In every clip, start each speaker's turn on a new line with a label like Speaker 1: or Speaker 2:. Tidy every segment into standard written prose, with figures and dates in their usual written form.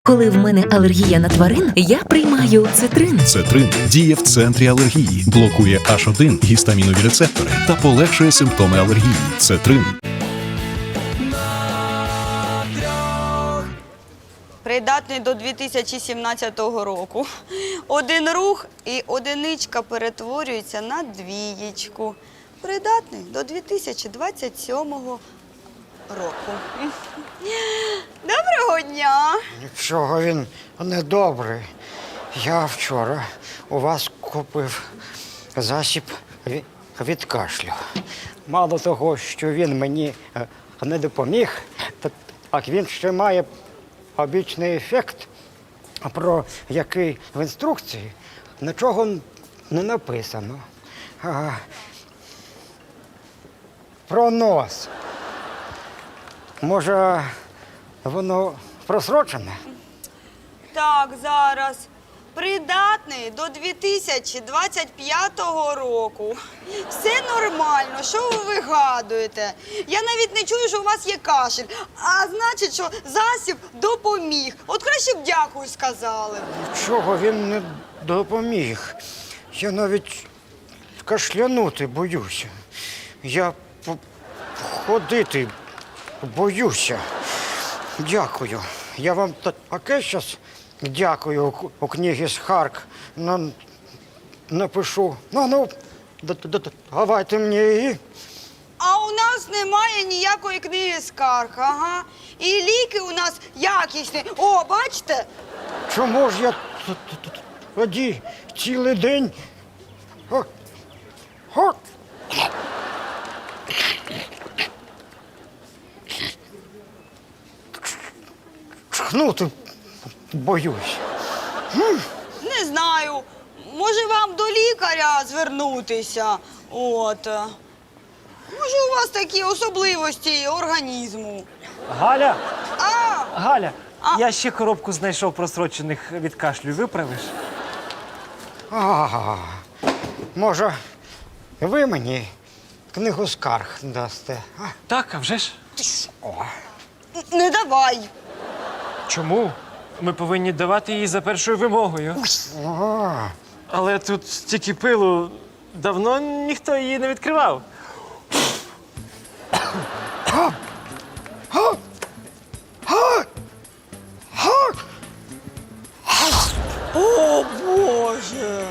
Speaker 1: Коли в мене алергія на тварин, я приймаю цитрин.
Speaker 2: Цетрин діє в центрі алергії, блокує H1 гістамінові рецептори та полегшує симптоми алергії. Цетрин.
Speaker 3: Придатний до 2017 року. Один рух і одиничка перетворюється на двієчку. Придатний до 2027 року. Доброго дня!
Speaker 4: Нічого він не добрий. Я вчора у вас купив засіб від кашлю. Мало того, що він мені не допоміг, так він ще має побічний ефект, про який в інструкції нічого не написано. Про нос. Може, воно просрочене?
Speaker 3: Так, зараз. Придатний до 2025 року. Все нормально, що ви вигадуєте? Я навіть не чую, що у вас є кашель, а значить, що засіб допоміг. От краще б дякую сказали.
Speaker 4: Чого він не допоміг? Я навіть кашлянути боюся. Я ходити боюся. Дякую. Я вам таке щас дякую у книгі скарг напишу. Ну, давайте мені її.
Speaker 3: А у нас немає ніякої книги скарг, ага. І ліки у нас якісні. О, бачите?
Speaker 4: Чому ж я тоді цілий день? Чхнути боюсь.
Speaker 3: Не знаю. Може вам до лікаря звернутися? От. Може у вас такі особливості організму?
Speaker 5: Галя!
Speaker 3: А!
Speaker 5: Галя! Я ще коробку знайшов просрочених від кашлю. Виправиш?
Speaker 4: Може, ви мені книгу скарг дасте?
Speaker 5: Так, а вже ж.
Speaker 3: Не давай.
Speaker 5: Чому? Ми повинні давати її за першою вимогою. Але тут стільки пилу, давно ніхто її не відкривав.
Speaker 3: О, Боже!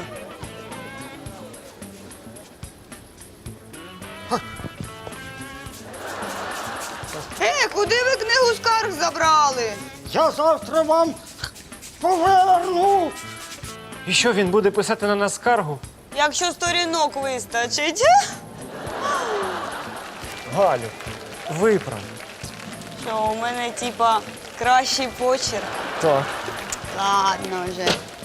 Speaker 3: Куди ви книгу скарг забрали?
Speaker 4: Я завтра вам поверну.
Speaker 5: І що, він буде писати на нас скаргу?
Speaker 3: Якщо сторінок вистачить.
Speaker 5: Галю, виправ.
Speaker 3: Що, у мене, типа, кращий почерк?
Speaker 5: Так.
Speaker 3: Ладно вже.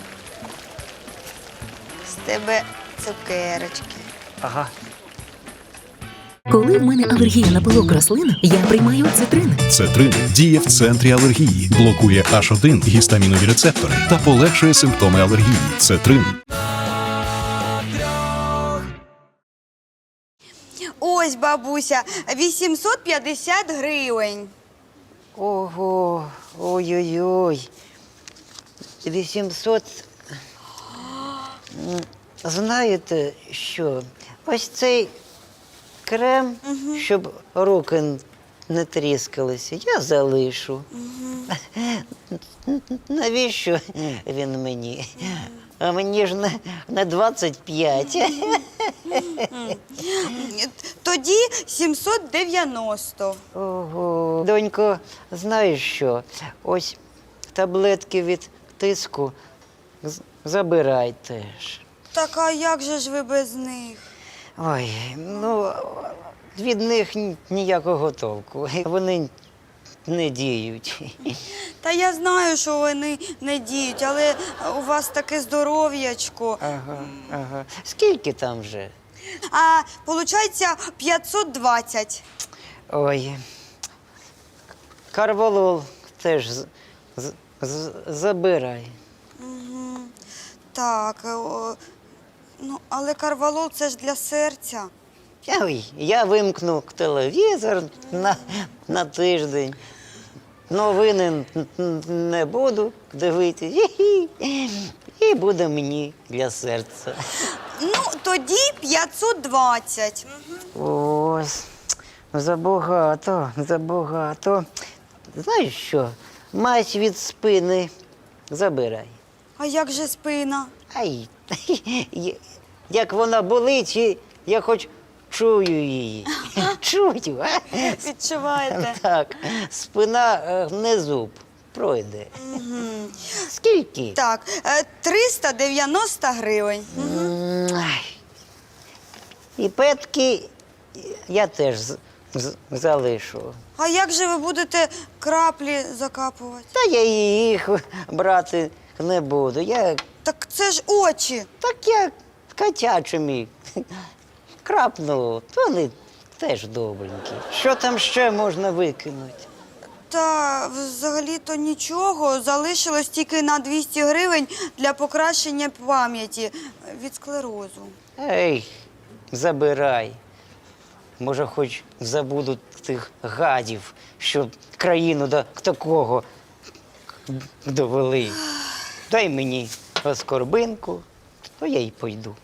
Speaker 3: З тебе цукерочки.
Speaker 5: Ага.
Speaker 1: Коли в мене алергія на пилок рослин, я приймаю цитрин.
Speaker 2: Цетрин діє в центрі алергії, блокує H1 гістамінові рецептори та полегшує симптоми алергії. Цетрин.
Speaker 3: Ось, бабуся, 850 гривень.
Speaker 6: Ого, ой-ой-ой. 800. Знаєте що? Ось цей крем, щоб руки не тріскалися, я залишу. Навіщо він мені? А мені ж не 25.
Speaker 3: Тоді 790.
Speaker 6: Ого. Донько, знаєш що? Ось таблетки від тиску забирай теж.
Speaker 3: Так, а як же ж ви без них?
Speaker 6: Ой, ну, від них ніякого толку. Вони не діють.
Speaker 3: Та я знаю, що вони не діють, але у вас таке здоров'ячко.
Speaker 6: Ага. Скільки там вже?
Speaker 3: А, виходить, 520.
Speaker 6: Ой. Карвалол теж забирай.
Speaker 3: Так, ну, але карвалол – це ж для серця.
Speaker 6: Ой, я вимкну телевізор на тиждень. новини не буду дивитись. Хі-хі. І буде мені для серця.
Speaker 3: Ну, тоді 520.
Speaker 6: Ось, забагато, забагато. Знаєш що? Мазь від спини забирай.
Speaker 3: А як же спина?
Speaker 6: Ай, як вона болить, і я хоч чую її. Чую, а?
Speaker 3: Відчуваєте?
Speaker 6: Так, спина не зуб. Пройде. Скільки?
Speaker 3: Так, 390 гривень.
Speaker 6: Ай. І петки я теж залишу.
Speaker 3: А як же ви будете краплі закапувати?
Speaker 6: Та я їх брати не буду.
Speaker 3: Так це ж очі.
Speaker 6: Так я котячими крапну, то вони теж добренькі. Що там ще можна викинути?
Speaker 3: Та взагалі-то нічого. Залишилось тільки на 200 гривень для покращення пам'яті від склерозу.
Speaker 6: Ей, забирай. Може, хоч забуду тих гадів, що країну до такого довели. Дай мені оскорбинку, то я й пойду.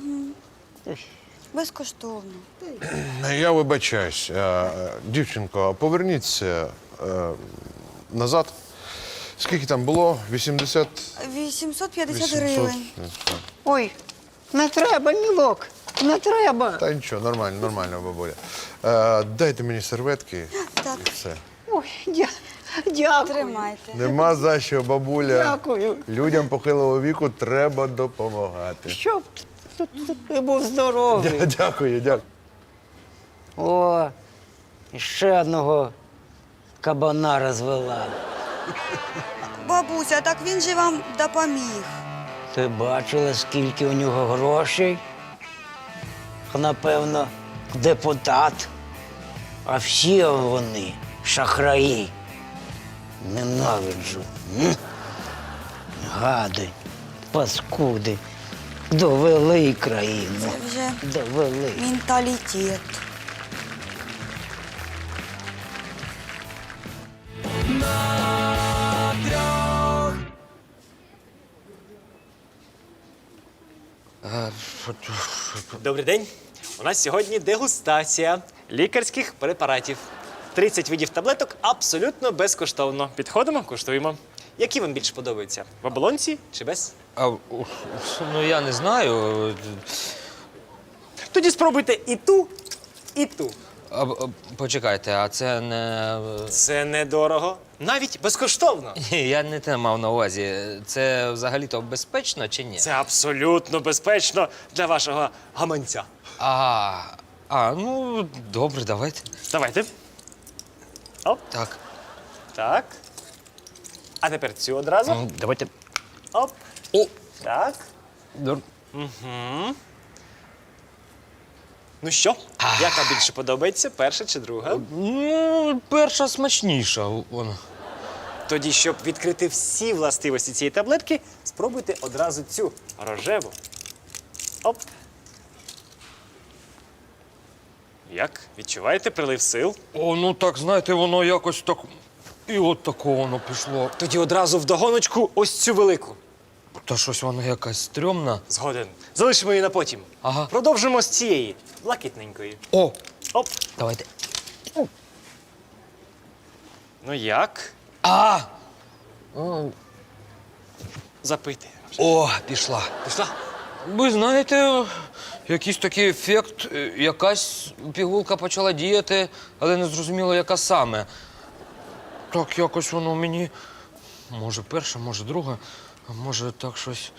Speaker 3: Безкоштовно.
Speaker 7: Я вибачаюсь. Дівчинко, поверніться назад. Скільки там було? 80?
Speaker 3: 850 гривень.
Speaker 6: Ой, не треба, мілок, не треба.
Speaker 7: Та нічого, нормально, нормально, бабуля. Дайте мені серветки
Speaker 3: Так.
Speaker 7: і все.
Speaker 6: Ой, дякую.
Speaker 3: Тримайте.
Speaker 7: Нема за що, бабуля.
Speaker 6: Дякую.
Speaker 7: Людям похилого віку треба допомагати.
Speaker 6: Щоб ти був здоровий.
Speaker 7: Дякую, дякую.
Speaker 6: О, ще одного кабана розвела.
Speaker 3: Бабуся, так він же вам допоміг.
Speaker 6: Ти бачила, скільки у нього грошей? Напевно, депутат. А всі вони шахраї. Ненавиджу. Гади, паскуди. Довели країну.
Speaker 3: Це вже
Speaker 6: Довели.
Speaker 3: менталітет.
Speaker 5: Добрий день. У нас сьогодні дегустація лікарських препаратів. 30 видів таблеток абсолютно безкоштовно. Підходимо, куштуємо. Які вам більше подобаються? В оболонці чи без?
Speaker 8: Ну, я не знаю.
Speaker 5: Тоді спробуйте і ту, і ту.
Speaker 8: Почекайте, а це не.
Speaker 5: Це недорого, навіть безкоштовно.
Speaker 8: Ні, я не те мав на увазі. Це взагалі-то безпечно чи ні?
Speaker 5: Це абсолютно безпечно для вашого гаманця.
Speaker 8: Ну, добре, давайте.
Speaker 5: Давайте. Оп,
Speaker 8: Так.
Speaker 5: так. А тепер цю одразу.
Speaker 8: Давайте.
Speaker 5: Оп.
Speaker 8: О!
Speaker 5: Так. Ну що, яка більше подобається, перша чи друга?
Speaker 8: Ну, перша смачніша. Вона.
Speaker 5: Тоді, щоб відкрити всі властивості цієї таблетки, спробуйте одразу цю рожеву. Оп. Як? Відчуваєте прилив сил?
Speaker 8: Ну так, знаєте, воно якось так. І от такого воно пішло.
Speaker 5: Тоді одразу вдогоночку ось цю велику.
Speaker 8: Та щось воно якась стрьомна.
Speaker 5: Згоден. Залишимо її на потім.
Speaker 8: Ага.
Speaker 5: Продовжимо з цієї, блакитненької.
Speaker 8: О!
Speaker 5: Оп.
Speaker 8: Давайте.
Speaker 5: Ну як? Запити.
Speaker 8: О, пішла.
Speaker 5: Пішла?
Speaker 8: Ви знаєте, якийсь такий ефект, якась пігулка почала діяти, але не зрозуміло, яка саме. Так якось воно мені, може перша, може друга, а може так щось.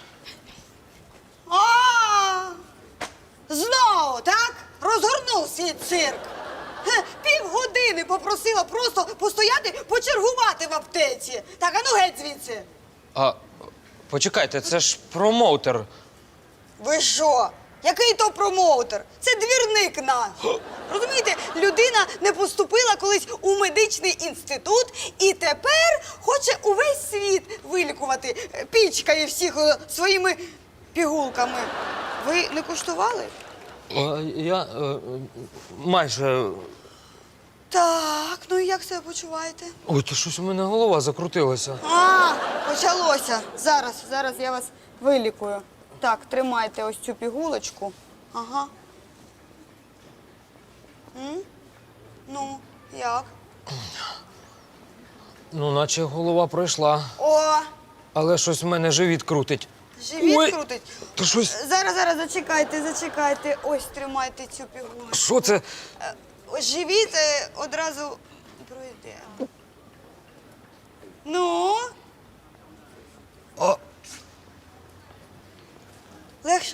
Speaker 3: Знову, так? Розгорнув свій цирк. Півгодини попросила просто постояти, почергувати в аптеці. Так, а ну геть звідси.
Speaker 8: Почекайте, це ж промоутер.
Speaker 3: Ви що? Який то промоутер? Це двірник наш. Розумієте, людина не поступила колись у медичний інститут і тепер хоче увесь світ вилікувати. Пічкає всіх своїми пігулками. Ви не куштували?
Speaker 8: Я майже
Speaker 3: Так, ну і як себе почуваєте?
Speaker 8: Ой, то щось у мене голова закрутилася.
Speaker 3: А, почалося. Зараз я вас вилікую. Так, тримайте ось цю пігулочку. Ага. Ну, як?
Speaker 8: Ну, наче голова пройшла,
Speaker 3: О,
Speaker 8: але щось в мене живіт крутить.
Speaker 3: живіт
Speaker 8: Ой.
Speaker 3: крутить.
Speaker 8: То щось.
Speaker 3: Зараз, зачекайте. Ось тримайте цю пігулочку.
Speaker 8: Що це?
Speaker 3: Ось живіт одразу пройде. Ну?
Speaker 8: О.
Speaker 3: Легше?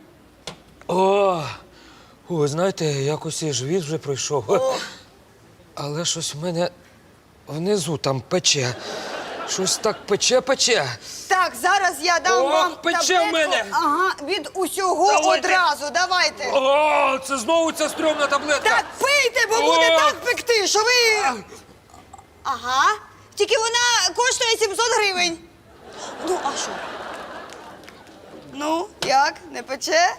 Speaker 8: Ой, знаєте, якось і живіт вже пройшов. Але щось в мене внизу там пече. Щось так пече.
Speaker 3: Так, зараз я дам
Speaker 8: О,
Speaker 3: вам
Speaker 8: пече
Speaker 3: таблетку.
Speaker 8: в мене.
Speaker 3: Ага, від усього
Speaker 8: Давайте.
Speaker 3: одразу, давайте.
Speaker 8: О, це знову ця стрьомна таблетка.
Speaker 3: Так пийте, бо буде так пекти, що ви... Ага, тільки вона коштує 700 гривень. Ну, а що? Ну, як, не пече?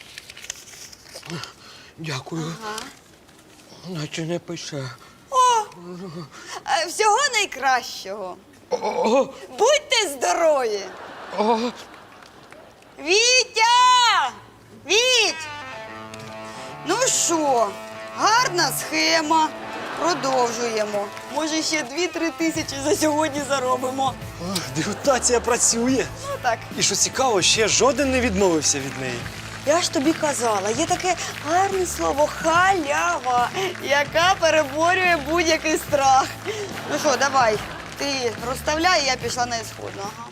Speaker 8: Дякую. Наче не пече.
Speaker 3: Всього найкращого.
Speaker 8: О,
Speaker 3: Будьте здорові.
Speaker 8: о,
Speaker 3: Вітя! Віть! Ну що, гарна схема. Продовжуємо. Може, ще 2-3 тисячі за сьогодні заробимо.
Speaker 5: Дегустація працює.
Speaker 3: Ну так.
Speaker 5: І що цікаво, ще жоден не відмовився від неї.
Speaker 3: Я ж тобі казала, є таке гарне слово халява, яка переборює будь-який страх. Ну що, давай, ти розставляй, я пішла на ісходну. Ага.